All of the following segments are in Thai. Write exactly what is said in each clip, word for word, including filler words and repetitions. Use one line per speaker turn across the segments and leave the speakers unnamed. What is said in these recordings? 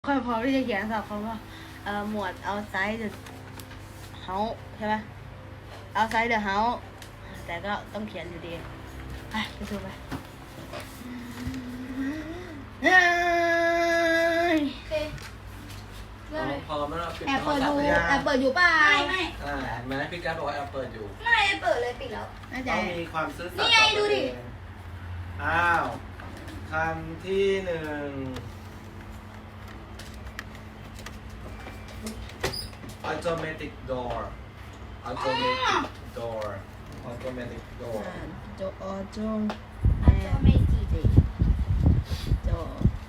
ค่อยพอที่จะเขียนศัพท์คำว่าเอ่อหมวด outside the house ใช่ไหม outside the house แต่ก็ต้องเขียนอยู่ดีไปไปดูไปเฮ้ย
โอเคเริ่มเลย
พอไม่เราปิด
แอบเปิด
โทรศัพ
ดู
ท์หรือยัง
แอบเปิดอยู่เปล่าไม่ไม่
อ่าเห็นไหมพี่การดบอกว่าแอบเปิดอยู่
ไม่ได้เปิดเลยปิดแล้ว
น่าจะ
ต้องมีความซื่อสัตย์
นี่ไง
ต่อ
ดู
ตัว
ดิ
เองอ้าวคำที่หนึ่ง automatic door automatic door automatic door
โจโอโจ
อาจจะไม่จีบ
โจ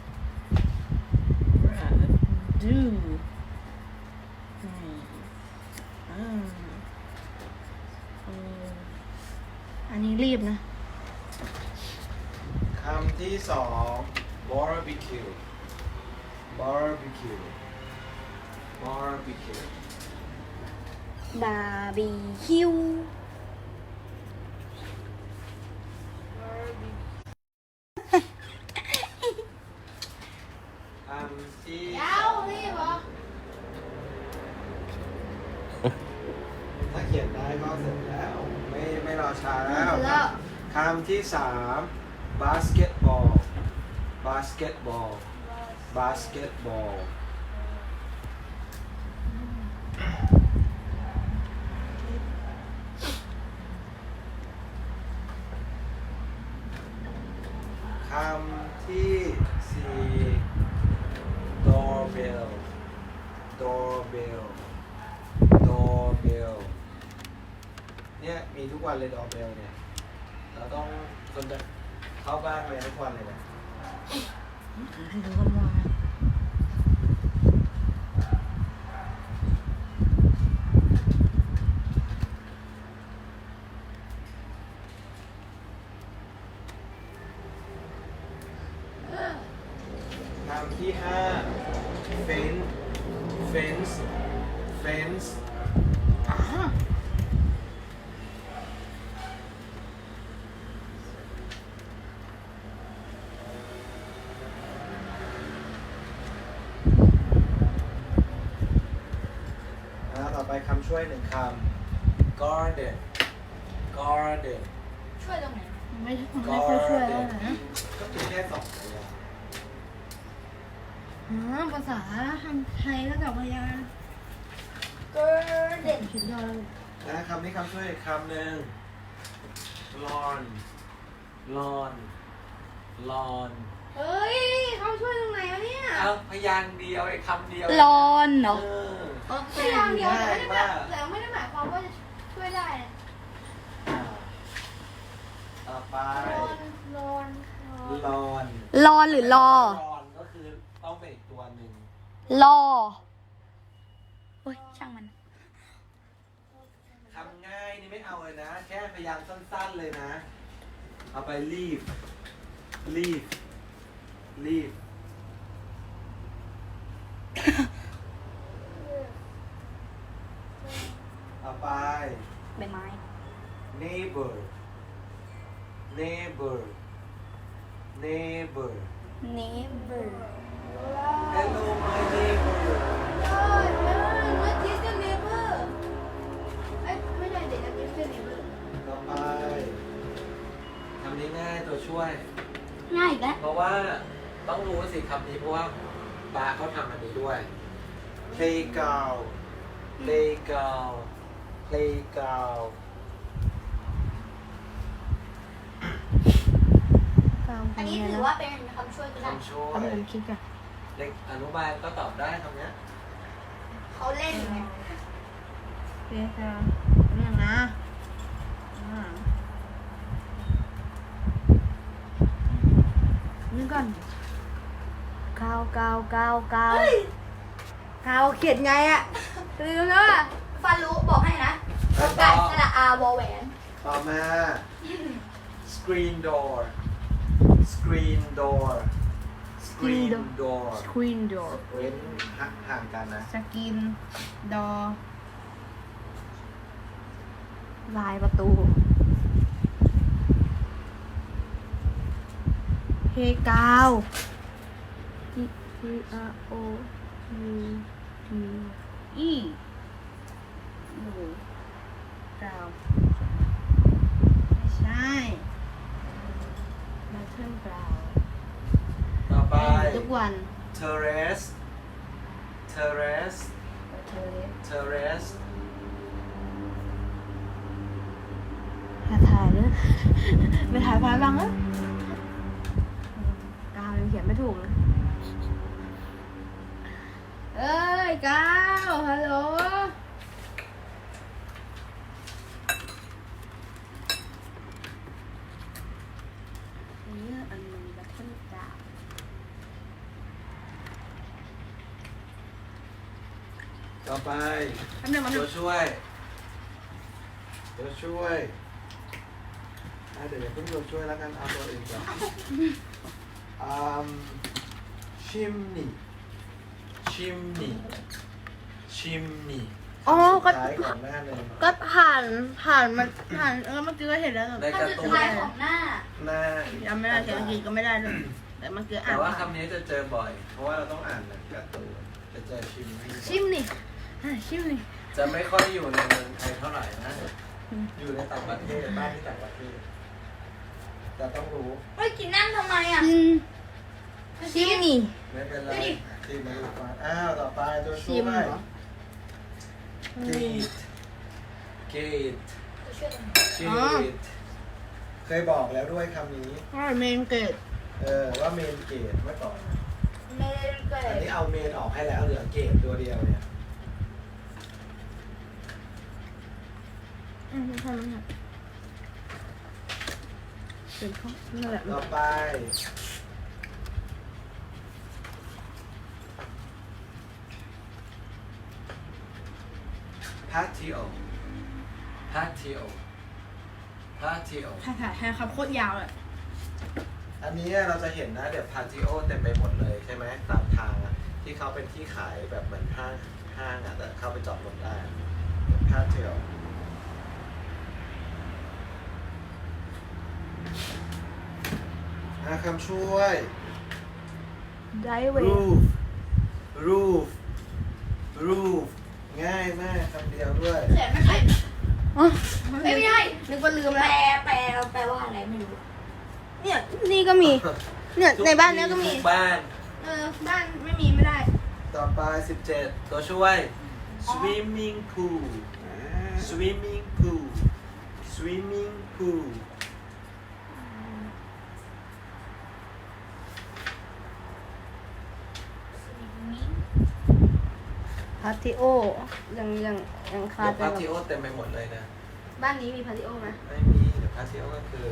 ราดูอืมอ่าอืมอันนี้รีบนะ
คำที่สอง barbecue barbecue barbecue
บาร์บีคิว
คำที่
ยาวรีบเหรอ
ถ้าเขียนได้ก็เสร็จแล้ว ไม่ไม่รอช้าแล้ว
แล้ว
คำที่สาม basketball basketball basketball คำที่สี่ doorbell doorbell doorbell เนี่ยมีทุกวันเลย doorbell เนี่ย เราต้องคนจะเข้าบ้านไปทุกวันเลยนะ
ให้ดูคนว่า
คำที่ห้า fence fence fence
อ่า
แล้วต่อไปคำช่วยหนึ่งคำ garden garden
ช่วยตรงไหน
ไม่ไม่ค่อยช่วยแล้วนะ
ก็เป็นแค่สองพยางค์
อ๋อภาษาทำไทยแล้วกับพยาน
เกิร์เด่น
สุดยอดเลย
นะคำนี้คำช่วยอีกคำหนึ่ง lawn lawn lawn
เฮ้ยเขาช่วยตรงไหนวะเนี่ย
เอาพยางค์เดียวไอ้คำเดียว
ร้อนเหรอ
เออ
โอเค
พยายามเดียวแต่ไม่ได้
ง่าย
แบบ
มาก
แต่ไม่ได้หมายความว่าจะช่วยได้นะ
อ่าต่อไป
รอนรอน
lawn
รอหรือรอ
lawn ก็คือต้องเป็นอีกตัวหนึ่ง
รอโอ้ยช่างมัน
คำง่ายนี่ไม่เอาเลยนะ แค่พยางค์สั้นๆเลยนะ เอาไป leave leave leave เอาไป
ใบไม้
neighbor neighbor neighbor
neighbor
hello my neighbor
เออเออเมื่อกี้ก็เนเบอร์ไอ้ไม่ได้เด็กอันนี้คือเนเบอร์
ต่อไปคำนี้ง่ายตัวช่วย
ง่ายอีกแล้ว
เพราะว่าต้องรู้สิคำนี้เพราะว่าปาเขาทำอันนี้ด้วย playground playground playground
อันนี้ถือว่าเป็นคำช่วยก็ได้
คำช่ว
เอา
ย
ไปผมคิดกัน
เด็กอนุบาลก็ตอบได้คำเนี้ย
เขาเล่นไง
เดี๋ยวจะนี่นะอ่านี่ก่อนกาวกาวกาวกาวกาวเขียนไงอะลืมแล้วอะ
ฟันรู้บอกให้นะกไก่สระอาวอแหวน
ต่อมา screen door screen door screen door
สกรีนดอร์
เว้นห่างกันนะ
สกินดอลายประตูเฮกาว P R O U D E หนูกราวไม่ใช่บัตเทิลกราว
ต่อไป
ทุกวัน
terrace terrace
เธอ
terrace
ถ่ายถ่ายเลยไปถ่ายพายบ้างเอ้ยกาวยังเขียนไม่ถูกเลยเอ้ยกาวฮัลโหลนี่อันนึงบัตเทิลกราว
ต่อไป
อันนึงมัน
ตัวช่วยตัวช่วยอ่ะเดี๋ยวอย่าเพิ่งตัวช่วยแล้วกันเอาตัวอื่นก่อนอืม chimney chimney chimney
อ๋อก็
สุดท้ายก่อนหน้าเลย
ก็ผ่านผ่านมันผ่านแล้วเมื่อกี้ก็เห็นแล้ว
ใน
คำ
การ์
สุด
ตูน
ท้ายของหน้า
หน้า
จำไม่ได้เสียงอังกฤษก็ไม่ได้เลยแต่เมื่อกี้อ่า
แต่
น
ว่าคำนี้จะเจอบ่อย เพราะว่าเราต้องอ่านหนังการ์ตูนจะเจอ chimney
ชิมนี่อ่ะชิมนี่
จะไม่ค่อยอยู่ในเมืองไทยเท่าไหร่นะ อยู่ในต่างประเทศบ้านที่ต่างประเทศจะต้องรู้
เฮ้ยกินนั่งทำไมอ่ะ
ชิมชิมนี่
ไม่เป็นไรที่มาดูฟังอ้าวต่อไปตัว
ชิ
ช่ว
ม
ย
เหรอ
gate gate
ตัวช่วยกัน
gate เคยบอกแล้วด้วยคำนี้
ว่าเมนเกต
เออว่าเมนเกตเมื่อก่อน
ไม่ได้เกิ
อัน
ด
นี้เอาเมนออกให้แล้วเหลือเกตตัวเดียวเนี่ย
อืมทำมันค่ะเป็นข้อนั่นแหละ
ต่อไป patio patio patio
ใช่ค่ะใช่ครับโคตรยาวเลย
อันนี้เราจะเห็นนะเดี๋ยวพาทิโอเต็มไปหมดเลยใช่ไหมตามทางอะที่เขาเป็นที่ขายแบบเหมือนห้างห้างอะแต่เข้าไปจอดรถได้พาทิโออาคำช่วย
ได้เว
roof roof roof ง่ายมากคำเดียวด้วย
เขียนไม่เป็น
อ๋อ
ไม่ใช่
นึกว่าลืม
แป
แล้
ล
ว
แปลแปลว่าอะไรไม่รู้
เนี่ยนี่ก็มี เนี่ยในบ้านเนี้ยก็มี
ทุบ้าน
เออบ้านไม่มีไม่ได้
ต่อไปสิบเจ็ดตัวช่วย swimming pool swimming pool swimming pool
พาติโอยังยังยังคา
เดี๋ยว
ใจ
พา
กับ
ทิโอเต็มไปหมดเลยนะ
บ้านนี้มีพาติโอไหม
ไม่มีเดี๋ยวพาทิโอก็คือ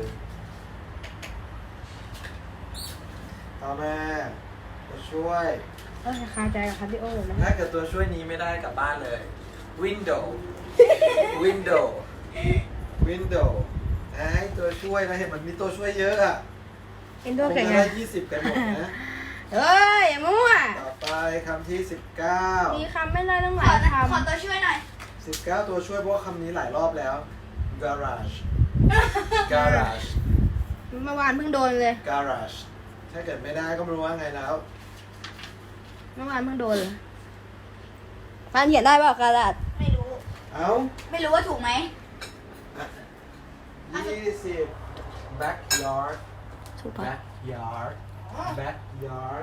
ต่อมาตัวช่วย
เออคาใจกับพาติโอนะ
ถ้าเกิดตัวช่วยนี้ไม่ได้กลับบ้านเลย window window window อ่ะให้ตัวช่วยนะเห็นมันมีตัวช่วยเยอะอะ
เอ็น
ค
โด
ง
แข่ง
จะ
ไง
ได้ยี่สิบกันหมดนะ
เอ้ยอย่ามั่ว
ต่อไปคำที่สิบเก้า
มีคำไม่ได้ตั้งห
ข
ลา
อย
ค
ขอตัวช่วยหน่อย
สิบเก้าตัวช่วยเพราะว่าคำนี้หลายรอบแล้ว garage garage
ำเมื่อวานเพิ่งโดนเลย
garage ถ้าเกิดไม่ได้ก็ไม่รู้ว่าไงแล้ว
เมื่อวานเพิ่งโดนเลยฟานเขียนได้เปล่ากระดาษ
ไม่รู้
เอ้า
ไม่รู้ว่าถูกไหม
ยี่สิบ backyard
ถูกปะ
backyard backyard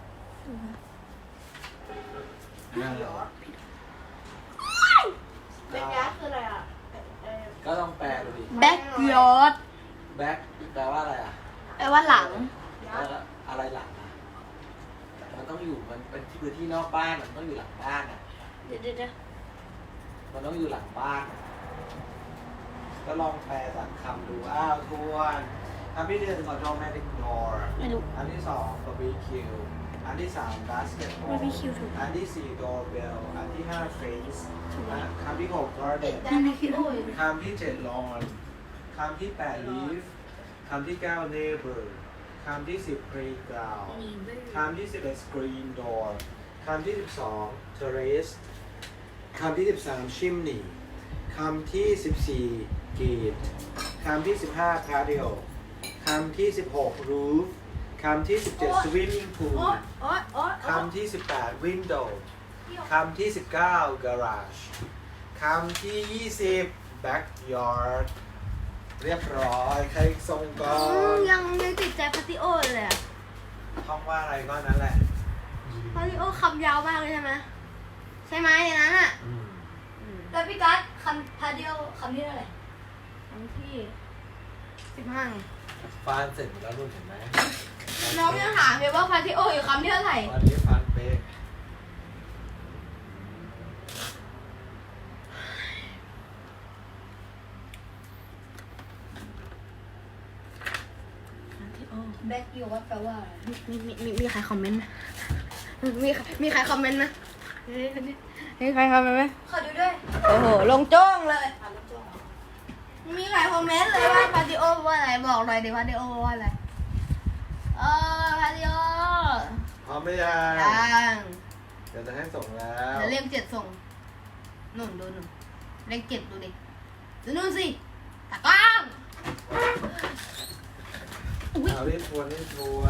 เป็นยาคืออะไรอ่ะ
ก็ต้องแปลดูดิ
แบ็กยอร์ด
back แปลว่าอะไรอ่ะ
แปลว่าหลัง
แล้วอะไรหลังอ่ะมันต้องอยู่มันเป็นที่พื้นที่นอกบ้านมันต้องอยู่หลังบ้านอ่ะ
เดี๋ยวเดี๋ยวเดี๋ยว
มันต้องอยู่หลังบ้านอะก็ลองแปลจากคำดู อ้าวทวนคำที่หนึ่ง automatic door
ไม่รู้
อันที่สอง barbecue อันที่สาม basketball
บาร์บีคิวถูก
อันที่สี่ doorbell อันที่ห้า fence นะคำที่หก garden
แต่ไม่คิดโอ้ย
คำที่เจ็ด lawn คำที่แปด leaf คำที่เก้า neighbor คำที่สิบ playground
นี่เว้ย
คำที่สิบเอ็ด screen door คำที่สิบสอง terrace คำที่สิบสาม chimney คำที่สิบสี่ gate คำที่สิบห้า patio คำที่สิบหก roof คคำที่สิบเจ็ด swimming
โอ๊
pool
ยโอ๊ยโอ๊ย
คำที่สิบแปด window คำที่สิบเก้า garage คำที่ยี่สิบ backyard เรียบร้อย ใครส่งก่อ
อืม
น
ยังยังติดใจพาติโอเลยอะ
ท่องว่าอะไรก็นั่นแหละ
พาติโอคำยาวมากเลยใช่ไหมใช่ไหมในนั้นอ่ะ
อืม
แล้วพี่กัสคำพาเดียวคำที่เท่าไหร่
คำที่สิบห้า
ฟานเสร็จหมดแล้วรุ่นเห็นไหม
น้องยังถามเลยว่าพาทิโออยู่คำที่เท่าไหร่
วันนี้ฟานเป๊ะ
พาติโอ
แบ็กยูว่าแปลว่าอะไร
มีมีมีมีใครคอมเมนต์ไหมมีมีใครคอมเมนต์ไหมมีใครคอมเมนต์ไหม
ขอดูด้วย
โอ้โหลงโจ้งเลย
อ่านแล้วจ้อง
มีใครคอมเมนต์เลยว่าพาติโอว่าอะไรบอกหน่อยดิพาติโอว่าอะไรเออพาติโอ
พร้อมหรือยัง
ยัง
เดี๋ยวจะให้ส่งแล้ว
เดี๋ยวเลขเจ็ดส่งหนุนดูหนุนเลขเจ็ดดูดิดูนู่นสิตากล้องอุ้ย
เอารีบทวนรีบทวน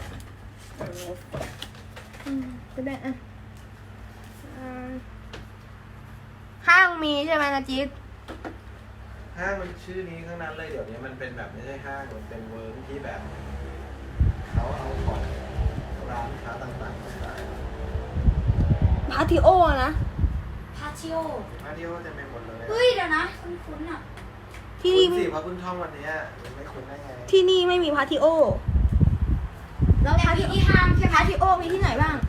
อืมก็ได้อ่ะอ่าห้างมีใช่ไหมนะจิ๊ด
ห้างมันชื่อนี้ข้างนั้นเลยเดี๋ยวนี้มันเป็นแบบไม่ใช่ห้างมันเป็นเวิร์กที่แบบเขาเอาของร้านค้าต่างๆมาขาย
พาติโอนะ
พาทิโอ
มาเที่ยวจะไม่หมดเลย
เฮ้ยเดี๋ยวนะคุ้นๆอ่ะ
ที่
คุ
นี่
ณสิเพราะคุณท่องวันเนี้ยมันไม่คุ้นได้ไง
ที่นี่ไม่มีพาติโอแล้ว
แต่
พา
มี
ติ
ที่ห้างใช่ไหม
พาติโอมีที่ไหนบ้าง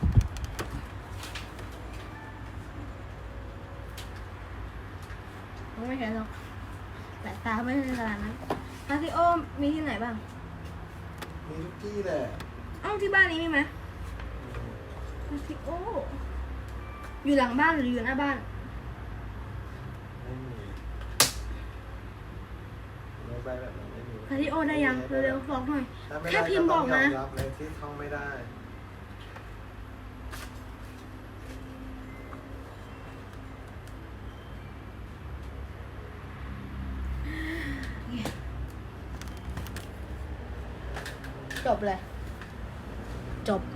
ไม่เห็นหรอกแต่ตาไม่เป็นขนาดนั้นพาติโอมีที่ไหนบ้าง
มีทุกที่แหละ
เอ้าที่บ้านนี้มีไหมพาติโออยู่หลังบ้านหรืออยู่หน้าบ้าน
ไม่มีไม่ไปแบบนั้นไม่มี
พาติโอได้ยังเร็วๆบอกหน่อย
ถ้าไม่
แค่
ได้
พิมพ์
ก็
บ
ต้
อ
อก งยอ
นะ
มรับเลยที่ท่องไม่ได้
จบเลย จบ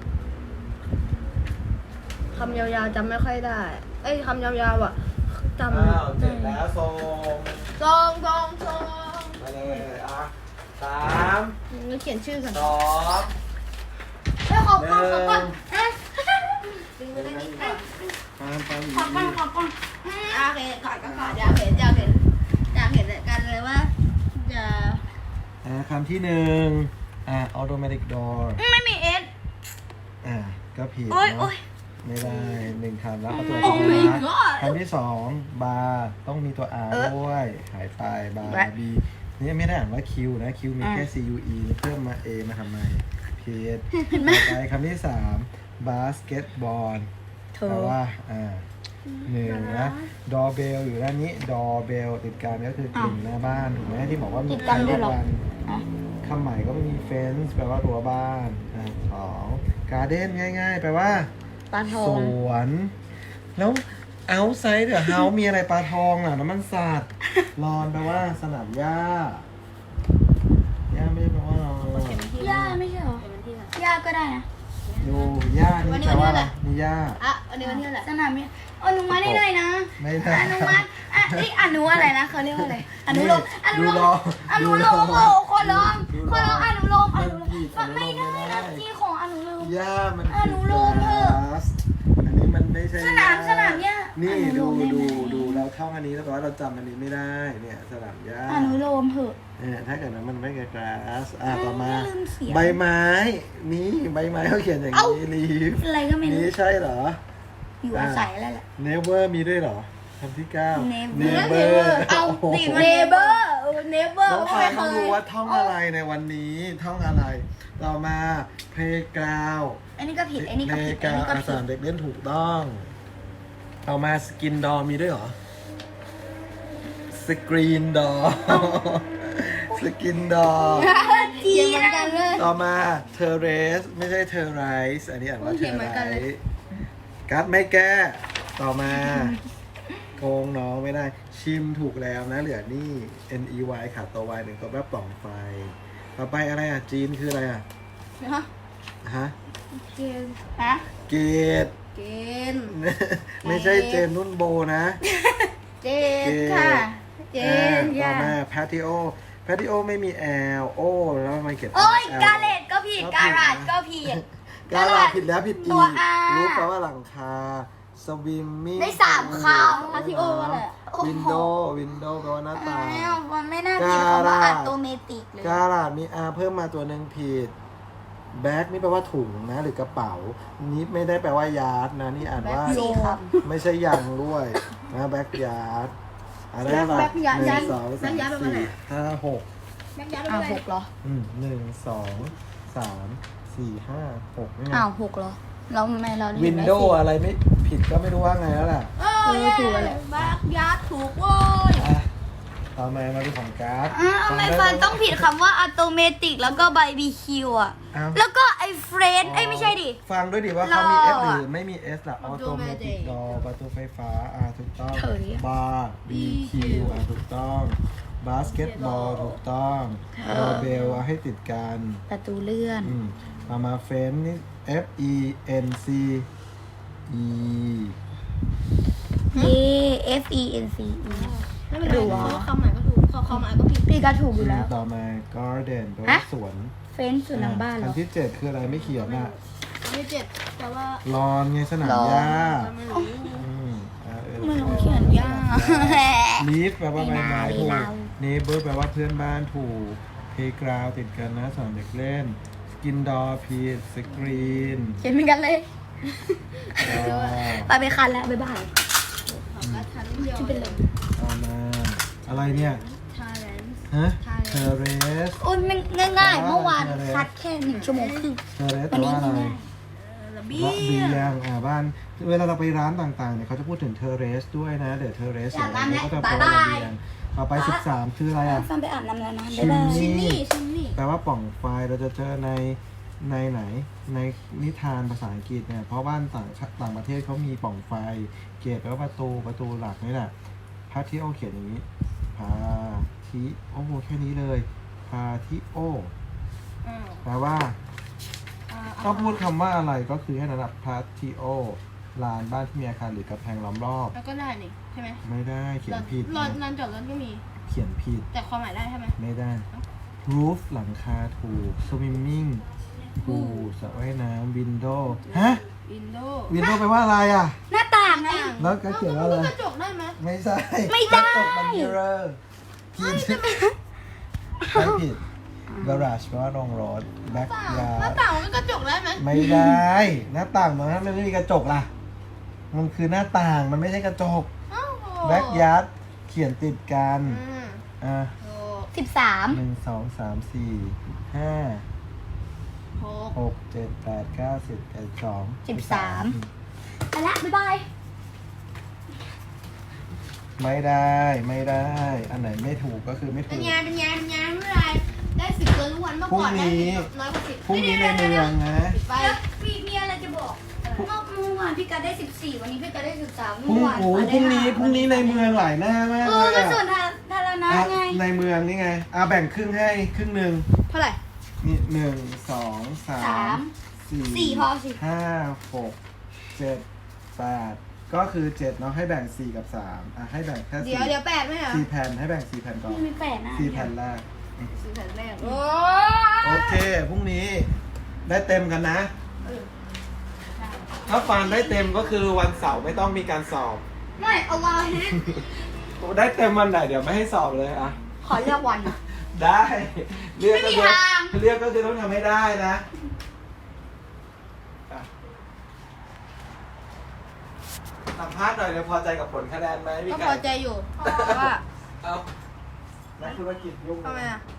คำยาวๆจำไม่ค่อยได้ เอ้ยคำยาวๆอ่ะจำ
อ้าวเสร็จแล้วส่ง
ซองซองซอง
มาเลยอ่ะสาม
นี่เขียนชื่อก่อน
สอง
เฮ้ยขอ
ห
ก่อนขอก่อน
นึ่ง
ฮะดึงไปได้นี่ก่อน
ตามตาม
ขอก่อนขอก่อน
อ่ะโอเคขอดก็ขอดอยากเห็นอยากเห็นอยากเห็นกันเลยว่าจะ
อ่าคำที่หนึ่งอ่า automatic door
ไม่มีเอส
อ่าก็ผิด
โอ้ย
เน
โอ้
อะ
ย
ไม่ได้หนึ่งคำแล้วเอาตัว
โอ้
ที่
my
นะ
god
คำที่สองบาร์ต้องมีตัว R
เออ
ด้วยหายไปบา
แบะ
ร์ B นี่ไม่ได้อ่านว่า Q นะ Q มีแค่
อ่ะ
C U E เพิ่มมา A มาทำไมผิด
เห็นไหม
ต่อไปคำที่สามบาสเกตบอล
เธ
แปล
อ
ว่าอ่าหนึ่งนะดอเบลอยู่ด้านนี้ดอเบลติดกันก็คือกลิ่นหน้าบ้านถูกไหมที่บอกว่ามี
ติดกันด้วยเหรอ
ทุวัน
อ่ะ
คำใหม่ก็ไม่มีเฟนส์แปลว่ารั้วบ้านอ่ะสองการ์เด้นง่ายๆ แปลว่า
ปลาทอ
ส
ง
วน แล้ว outside the house มีอะไรปลาทองอ่ะน้ำมันสัตว์รอนแปลว่าสนามหญ้าหญ้าไม่ได้แปลว่ารอน
ย่าไม่ใช่เหรอ
เป็นวันที่เท่าไหร่
ย่าก็ได้นะ
ดูหญ้า
วัน
นี่
นี้
แปลว่า
วันนี้
อะไร
อะไร
มีหญ้า
อ่ะวันนี้วันที่เท่าไหร่
สนามเนี่ยอนุมัติได้หน่อยนะ
ไม่ได้
อนุมัติอ่ะเอ้ยอนุอะไรนะเขาเรียกว่าอะไรอนุโลมอนุ
ดู
โล
รอ
มอนุโลม
ดูร
โอ้
อ
ขอร้อง
ดูรอ
ขอร้องอนุโลมอนุโล
มันผิด
มมันไม่ได้
อนุโลมไม่ได้
นะที่ของอนุโลม
หญ้ามัน
อนุโลมเถอะ
คือ grass อันนี้มันไม่ใช่
สนาม
หญ้
สนามหญ้า
นี่
อนุโล
ดู
มได้ไหม
ดูดูเราท่องอันนี้แล้วแปลว่าเราจำอันนี้ไม่ได้เนี่ยสนามหญ้า
อนุโลมเถอะ
เนี่ยถ้าเกิดว่ามันไม่เกิด grass อ่ะต่อมา
ลืมเสียง
ใบไม้ นี่ใบไม้เขาเขียนอย่างนี้ leaf
อะไรก็ไม่รู้
นี่ใช่เหรอ
อยู่อาศัยแล้วแหละ
never มีด้วยเหรอคำที่เก้า
Never เอา
โโห
ติดมาเนเบอร์เนเบอร์
น้อง
ไม่
ฟาง
เค
ต้อง
ย
รู้ว่าท่องอะไรในวันนี้ท่องอะไร ต่อมา playground
อันนี้ก็ผิดอันนี้ก็ผิดอัน
playground
นี้ก็
อา
ผิ
สา
ด
มเด็กเล่นถูกต้องต่อมา skin door มีด้วยเหรอ screen door skin door
จีนเหมือนกันเลย
ต่อมา terrace ไม่ใช่ terrace อันนี้อ่านว่า
เขียนเหมือนกันเลย
terrace กัดไม่แก้ ต่อมาโกงน้องไม่ได้ ชิมถูกแล้วนะ เหลือนี่ n e y ขาดตัว y หนึ่งตัวแปลปล่องไฟ ต่อไปอะไรอ่ะ จีนคืออะไรอ่ะ
ฮะ
ฮะ
เกณฑ์ฮะ
เกด
เกณฑ์
ไม่ใช่เจนนุ่นโบนะ
เจนค่ะเจน
ต่อ
ค่ะ
มาแพทิโอแพทิโอไม่มีแอลโอแล้วทำไมเขียน
โอ้ย
L
กาเลตก็ผิดการาดก็ผิด
กาลาผิดแล้วผิดอี
ตัว
ก
R
รู้แปลว่าหลังคาสวิมมิ่ง
ได้สามคำพาทิโอว่าอะไรโอ้โห
วินโดว์วินโดว์แปลว่าหน้าต่าง
อ้าวมันไม่น่าผิดคำว่าอัตโนเมติกเลย
กาลาดมี R เพิ่มมาตัวหนึ่งผิดแบ็กนี่แปลว่าถุงนะหรือกระเป๋านี้ไม่ได้แปลว่ายาร์ดนะนี่อ่านว่า
สี่ค
ไม่ใช่ยังด้วยนะแบ็กยาร์ดอะไรแบบ
แบ็คยาร์ด
หนึ่งสอง
แบ็
สา
ค
ม
ยาร์ดแปลว่าอะไร
สี่ห้าหก
แบ็กยัดไป
อ้าว
เล
ห
ย
กเหรอ
อืมหนึ่งสองสามสี่ห้าหกนี่ไง
อ้าวหกเหรอเราไม่เรา
วินโดว์อะไรไม่ผิดก็ไม่รู้ว่าไงแล้วล่ะ
เออถูกแล้วแหละแบ็กยัดถูกโว้ย
อ่ะต่อมามาดูของการ์ด
อ้าวทำไมฟันต้องผิดคำว่าอัตโนเมติกแล้วก็บาร์บีคิวอ่ะ
อ้าว
แล้วก็ไอ้เฟรนเอ้ยไม่ใช่ดิ
ฟังด้วยดิว่าเขามี F
รอ
ห
อ่ะ
รือไม่มี S ล่ะออโตเมติกดอประตูไฟฟ้าอ่าถูกต้อง
เฉยอะ
บาร์ B Q อ่าถูกต้องบาสเกตบอลถูกต้องดอเบลเอาให้ติดกัน
ประตูเลื่อน
อืมมามาเฟนนี่ F E N C E
เย่ F E N C E
ไม่เป็นไรเพราะคำหมายก็ถูกคำหมายก็ผิด
พี่ก็ถูกอยู่แล้ว
ต่อมา garden แปลว่า
ฮะ
สวน
เฟนส์ส่วนหลังบ้านเหร
คั
อน
ที่เจ็ดคืออะไรไม่เขียนอ่ะ
ไม่เจ็บแต่ว่า
ลอนไงสนาม
ลอน
หญ้า
ไม่รู้
อืมอ่าเออ
ไม่รู้เขียนยาก
ลีฟแปลว่าใบไม้
ไม่
ถู
น่าก
เนเบอร์แปลว่าเพื่อนบ้านถูกเพย์กราวติดกันนะสอนเด็กเล่นสกินดอพีดสกรีน
เขียนเหมือนกันเลย ไปไปคันแล้วบ๊ายบาย
ของกระทันเดียว
ที่เป็นลม
ต่อมาอะไรเนี่ย
ทาเลน
ฮะเทเรส
โอ้ยมันง่ายๆ เมื่อวานคัดแค่หนึ่งชั่วโมงครึ่ง
เทเรสแปลว่าอะไร
ระ
ระ
เบี
เบี
ย
ย
ง
งอ่าบ้านเวลาเราไปร้านต่างๆเนี่ยเขาจะพูดถึงเทเรสด้วยนะเดี๋ยวเทเรส
อยาก
อะไร
น้ำ
ก็จะ
แล้ว
แปลว่า
บ๊ายบาย
ระเบียงต่อไปสิบสามคืออะไรอ่ะ
ฟันไปอาบน้ำแล้วนะ
ชิ
บ๊าย
ม
บาย
นี่
นี่ชิมนี่
แปลว่าปล่องไฟเราจะเจอในในไหนในนิทานภาษาอังกฤษเนี่ยเพราะบ้านต่างต่างประเทศเขามีปล่องไฟเกตแปลว่าประตูประตูหลักนี่แหละพาทิโอเขียนอย่างนี้พาทิโอแค่นี้เลยพาทิโอ
อ่า
แปลว่า
อ่า
ต้องพูดคำว่าอะไรก็คือให้ระดับพาทิโอลานบ้านที่มีอาคารหรือกำแพงล้อมรอบ
แล้วก็ได้นี่ใช่ไหม
ไม่ได้เขียนผิด
รถ
นะ
ลานจอดรถก็มี
เขียนผิด
แต่ความหมายได้ใช่ไหม
ไม่ได้ roof หลังคาถูก swimming ถูกสระว่ายน้ำ window ฮะ
วินโดว์
window แปลว่าอะไรอ่ะ
หน้าต่างไง
แล้วก็เขียนว่าอะไร
กระจกได้ไหม
ไม่ใช่
ไม่ได้
ตกมัน mirror ผิดไม่ผิด garage แปลว่าโรงรถ
หน้า
backyard
ต่างมันก็กระจกได้ไหม
ไม่ได้ หน้าต่างมันมันไม่มีกระจกล่ะ มันคือหน้าต่างมันไม่ใช่กระจก
อ้าวโห
backyard เขียนติดกัน
อืม
อ่ะ
โอ้
สิบสาม
หนึ่งสองสามสี่ห้า
โห
หกเจ็ดแปดเก้าสิบเอ็ดสอง
สิบสามไปละบ๊ายบาย
ไม่ได้ ไม่ได้ อันไหนไม่ถูกก็คือไม่
เป็
ถู
น
ก
ไงเป็นไงเป็นไงไม่เป็นไรได้สิบเกินทุกวันเมื่อก่อนได้น้อยกว่าสิบ
พรุ่งนี้ในเมืองนะ
ปิดไป
แล้วพี่มีอะไรจะบอกเมื่อวานพี่กัดได้สิบสี่วันนี้พี่กัดได้สิบสาม
พรุ่ง
เมื่อวาน
โอ้ยพรุ่งนี้พรุ่งนี้ในเมืองหลายหน้ามาก
เอ
เล
อย ก็
อะ
ส่วนธารณะ
อ่ะ
ไง
ในเมืองนี่ไงอ่ะแบ่งครึ่งให้ครึ่งหนึ่ง
เท่าไหร่
นี่หนึ่งสองสา
สาม ม
สี่
สี่พอสิ
ห้าหกเจ็ดแปดก็คือเจ็ดเนาะให้แบ่งสี่กับสามอ่ะให้แบ่งแค่
เดี๋
สี่
ยวเดี๋ยวแปดไหมเหรอ
สี่แผ่นให้แบ่งสี่แผ่นก่อน
พี่มีแปดนะ
สี่แผ่นแรก
สี่แผ่นแรกโอ้
โอเคพรุ่งนี้ได้เต็มกันนะ ถ้าฟันได้เต็มก็คือวันเสาร์ไม่ต้องมีการสอบ
ไม่เอาวาฮิต
ได้เต็มวันไหนเดี๋ยวไม่ให้สอบเลยอ่ะ
ขอเลือกวัน
ได้เรียกก็
ไม่มี
คือ
ทาง
เรียกก็คือต้องทำให้ได้นะอ่ะสัมภาษณ์หน่อยเดี๋ยวพอใจกับผลคะแนนไหมพี่
ก็
ไก่
พอใจอยู่เพราะว่า
เอานักธุรกิจยุ่ง
ทำไมอ่ะ